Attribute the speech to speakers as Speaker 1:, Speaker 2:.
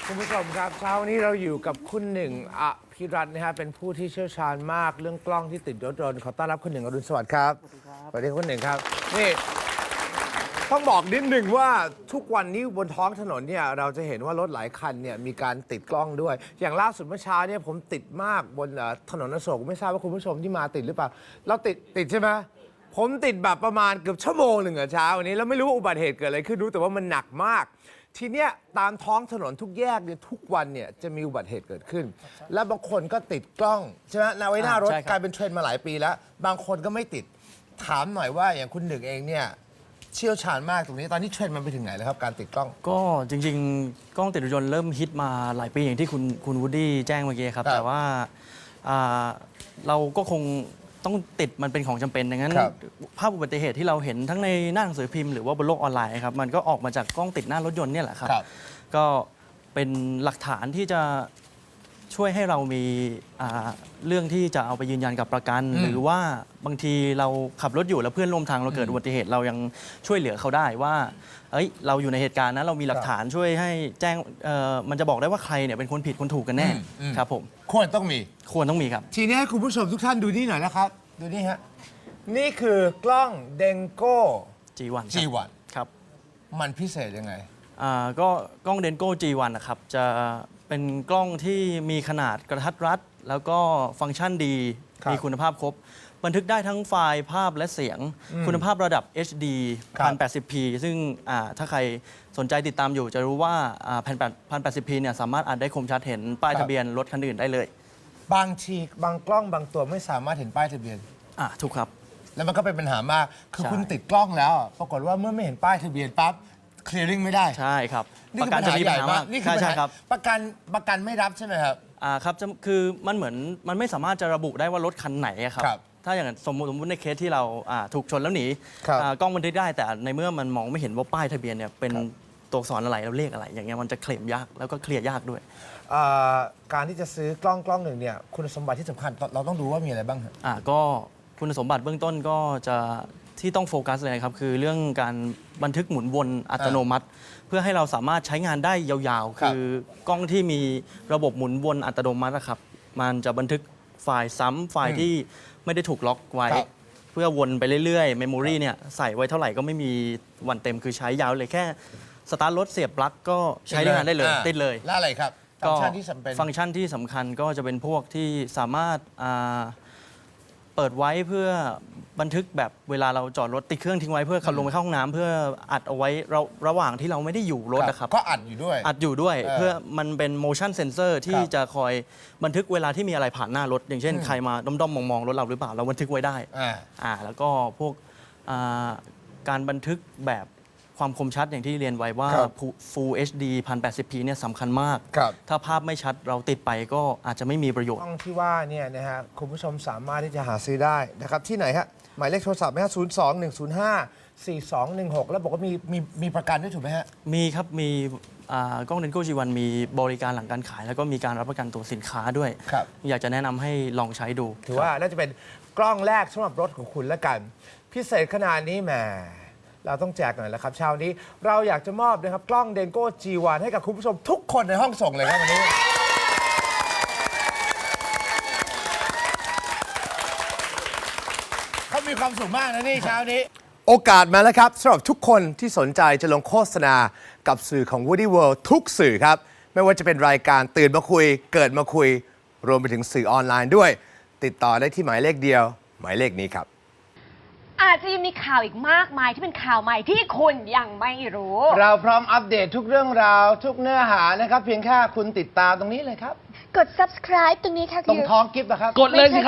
Speaker 1: คุณผู้ชมครับเช้านี้เราอยู่กับคุณหนึ่งอภิรัตน์นะฮะเป็นผู้ที่เชี่ยวชาญมากเรื่องกล้องที่ติดรถยนต์ขอต้อนรับคุณหนึ่งอรุณสวัสดิ์ครับสวัสดีคุณหนึ่งครับนี่ต้องบอกนิดหนึ่งว่าทุกวันนี้บนท้องถนนเนี่ยเราจะเห็นว่ารถหลายคันเนี่ยมีการติดกล้องด้วยอย่างล่าสุดเมื่อเช้าเนี่ยผมติดมากบนถนนอโศกไม่ทราบว่าคุณผู้ชมที่มาติดหรือเปล่าเราติดใช่ไหมผมติดแบบประมาณเกือบชั่วโมงหนึ่งเช้าวันนี้แล้วไม่รู้ว่าอุบัติเหตุเกิดอะไรขึ้นรู้แต่ว่ามันหนักมากทีเนี้ยตามท้องถนนทุกแยกเนี่ยทุกวันเนี่ยจะมีอุบัติเหตุเกิดขึ้นและบางคนก็ติดกล้องใช่ไหมไว้หน้ารถกลายเป็นเทรนด์มาหลายปีแล้วบางคนก็ไม่ติดถามหน่อยว่าอย่างคุณหนึ่งเองเนี่ยเชี่ยวชาญมากตรงนี้ตอนนี้เทรนด์มันไปถึงไหนแล้วครับการติดกล้อง
Speaker 2: ก็จริงๆกล้องติดรถยนต์เริ่มฮิตมาหลายปีอย่างที่คุณวูดดี้แจ้งเมื่อกี้ครับแต่ว่าเราก็คงต้องติดมันเป็นของจำเป็นดังนั้นภาพอุบัติเหตุที่เราเห็นทั้งในหน้าหนังสือพิมพ์หรือว่าบนโลกออนไลน์ครับมันก็ออกมาจากกล้องติดหน้ารถยนต์เนี่ยแหละครับก็เป็นหลักฐานที่จะช่วยให้เรามีเรื่องที่จะเอาไปยืนยันกับประกันหรือว่าบางทีเราขับรถอยู่แล้วเพื่อนร่วมทางเราเกิดอุบัติเหตุเรายังช่วยเหลือเขาได้ว่าเราอยู่ในเหตุการณ์นั้นเรามีหลักฐานช่วยให้แจ้งมันจะบอกได้ว่าใครเนี่ยเป็นคนผิดคนถูกกันแน่ครับผม
Speaker 1: ควรต้องมีครับทีนี้ให้คุณผู้ชมทุกท่านดูนี่หน่อยนะครับดูนี่ฮะนี่คือกล้องเดงโก้
Speaker 2: G1 ครับ
Speaker 1: มันพิเศษยังไง
Speaker 2: ก็กล้องเดนโก้ G1 นะครับจะเป็นกล้องที่มีขนาดกระทัดรัดแล้วก็ฟังก์ชันดีมีคุณภาพครบบันทึกได้ทั้งไฟล์ภาพและเสียงคุณภาพระดับ HD 1080p ซึ่งถ้าใครสนใจติดตามอยู่จะรู้ว่า1080p เนี่ยสามารถอ่านได้คมชัดเห็นป้ายทะเบียนรถคันอื่นได้เลย
Speaker 1: บางทีบางกล้องบางตัวไม่สามารถเห็นป้ายทะเบียน
Speaker 2: ถูกครับ
Speaker 1: แล้วมันก็เป็นปัญหามากคือคุณติดกล้องแล้วปรากฏว่าเมื่อไม่เห็นป้ายทะเบียนปั๊บเคลียร์ริ่งไม่ได้
Speaker 2: ใช่ครับ
Speaker 1: ประกันจะมีปัญหามากนี่คือปัญหา
Speaker 2: ครับ
Speaker 1: ประกันไม่รับใช่ไหมครับ
Speaker 2: ครับคือมันเหมือนมันไม่สามารถจะระบุได้ว่ารถคันไหนครับถ้าอย่างสมมติในเคสที่เราถูกชนแล้วหนีกล้องบันทึกได้แต่ในเมื่อมันมองไม่เห็นว่าป้ายทะเบียนเนี่ยเป็นตัวอักษรอะไรแล้วเลขอะไรอย่างเงี้ยมันจะเคลมยากแล้วก็เคลียร์ยากด้วย
Speaker 1: การที่จะซื้อกล้องหนึ่งเนี่ยคุณสมบัติที่สำคัญเราต้องดูว่ามีอะไรบ้างครับ
Speaker 2: ก็คุณสมบัติเบื้องต้นก็จะที่ต้องโฟกัสเลยครับคือเรื่องการบันทึกหมุนวนอัตโนมัติ เพื่อให้เราสามารถใช้งานได้ยาวๆคือกล้องที่มีระบบหมุนวนอัตโนมัตินะครับมันจะบันทึกไฟล์ซ้ำไฟล์ที่ไม่ได้ถูกล็อกไว้เพื่อวนไปเรื่อยๆเมมโมรีเนี่ยใส่ไว้เท่าไหร่ก็ไม่มีวันเต็มคือใช้ยาวเลยแค่สตาร์ทรถเสียบปลั๊กก็ใช้งานได้เลยติดเลย
Speaker 1: แล้วอะไรครับฟังก์ชันที่
Speaker 2: สำคัญก็จะเป็นพวกที่สามารถเปิดไว้เพื่อบันทึกแบบเวลาเราจอดรถติดเครื่องทิ้งไว้เพื่อขับลงไปเข้าห้องน้ำเพื่ออัดเอาไว้ระหว่างที่เราไม่ได้อยู่รถนะครับ
Speaker 1: ก็อัดอยู่
Speaker 2: ด้วยเพื่อมันเป็น motion sensor ที่จะคอยบันทึกเวลาที่มีอะไรผ่านหน้ารถอย่างเช่นใครมาด้อมๆมองๆรถเราหรือเปล่าเราบันทึกไว้ได้แล้วก็พวกการบันทึกแบบความคมชัดอย่างที่เรียนไว้ว่า Full HD 1080p เนี่ยสำคัญมากถ้าภาพไม่ชัดเราติดไปก็อาจจะไม่มีประโยชน์
Speaker 1: กล้องที่ว่าเนี่ยนะฮะคุณผู้ชมสามารถที่จะหาซื้อได้นะครับที่ไหนฮะหมายเลขโทรศัพท์ไหมฮะ02-105-4216แล้วบอกว่ามีประกันด้วยถูกไหมฮะ
Speaker 2: มีครับมีกล้อง Denko G1 มีบริการหลังการขายแล้วก็มีการรับประกันตัวสินค้าด้วยอยากจะแนะนำให้ลองใช้ดู
Speaker 1: ถือว่าน่าจะเป็นกล้องแรกสำหรับรถของคุณละกันพิเศษขนาดนี้แหมเราต้องแจกหน่อยแล้วครับเช้านี้เราอยากจะมอบนะครับกล้อง Denko G1 ให้กับคุณผู้ชมทุกคนในห้องส่งเลยครับวันนี้เขามีความสุขมากนะนี่เช้านี้โอกาสมาแล้วครับสำหรับทุกคนที่สนใจจะลงโฆษณากับสื่อของ Woody World ทุกสื่อครับไม่ว่าจะเป็นรายการตื่นมาคุยเกิดมาคุยรวมไปถึงสื่อออนไลน์ด้วยติดต่อได้ที่หมายเลขเดียวหมายเลขนี้ครับ
Speaker 3: อาจจะยังมีข่าวอีกมากมายที่เป็นข่าวใหม่ที่คุณยังไม่รู้
Speaker 1: เราพร้อมอัปเดตทุกเรื่องราวทุกเนื้อหานะครับเพียงแค่คุณติดตามตรงนี้เลยครับ
Speaker 3: กด subscribe ตรงนี้ค่ะ
Speaker 1: ตรงท้องกิฟต์นะครับ
Speaker 2: กดเลยสิ